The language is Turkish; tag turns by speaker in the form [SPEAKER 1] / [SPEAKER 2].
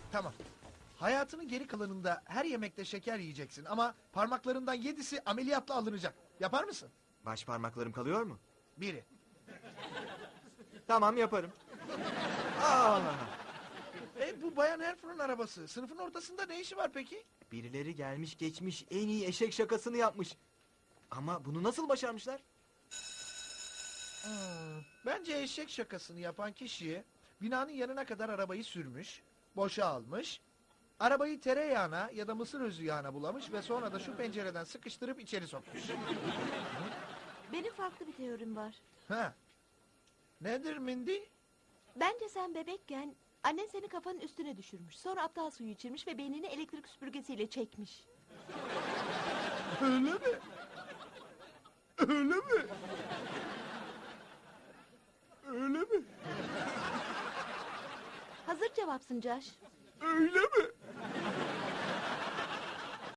[SPEAKER 1] Tamam. Hayatının geri kalanında her yemekte şeker yiyeceksin ama parmaklarından 7'si ameliyatla alınacak. Yapar mısın?
[SPEAKER 2] Baş parmaklarım kalıyor mu?
[SPEAKER 1] Biri.
[SPEAKER 2] Tamam, yaparım. Aa!
[SPEAKER 1] Bu Bayan Herfur'un arabası. Sınıfın ortasında ne işi var peki?
[SPEAKER 2] Birileri gelmiş geçmiş en iyi eşek şakasını yapmış. Ama bunu nasıl başarmışlar?
[SPEAKER 1] Bence eşek şakasını yapan kişi binanın yanına kadar arabayı sürmüş, boşa almış, arabayı tereyağına ya da mısır özü yağına bulamış ve sonra da şu pencereden sıkıştırıp içeri sokmuş.
[SPEAKER 3] Benim farklı bir teorim var.
[SPEAKER 1] Ha. Nedir Mindy?
[SPEAKER 3] Bence sen bebekken annen seni kafanın üstüne düşürmüş. Sonra aptal suyu içirmiş ve beynini elektrik süpürgesiyle çekmiş.
[SPEAKER 1] Öyle mi? Öyle mi? Öyle mi?
[SPEAKER 3] Hazır cevapsın Josh.
[SPEAKER 1] Öyle mi?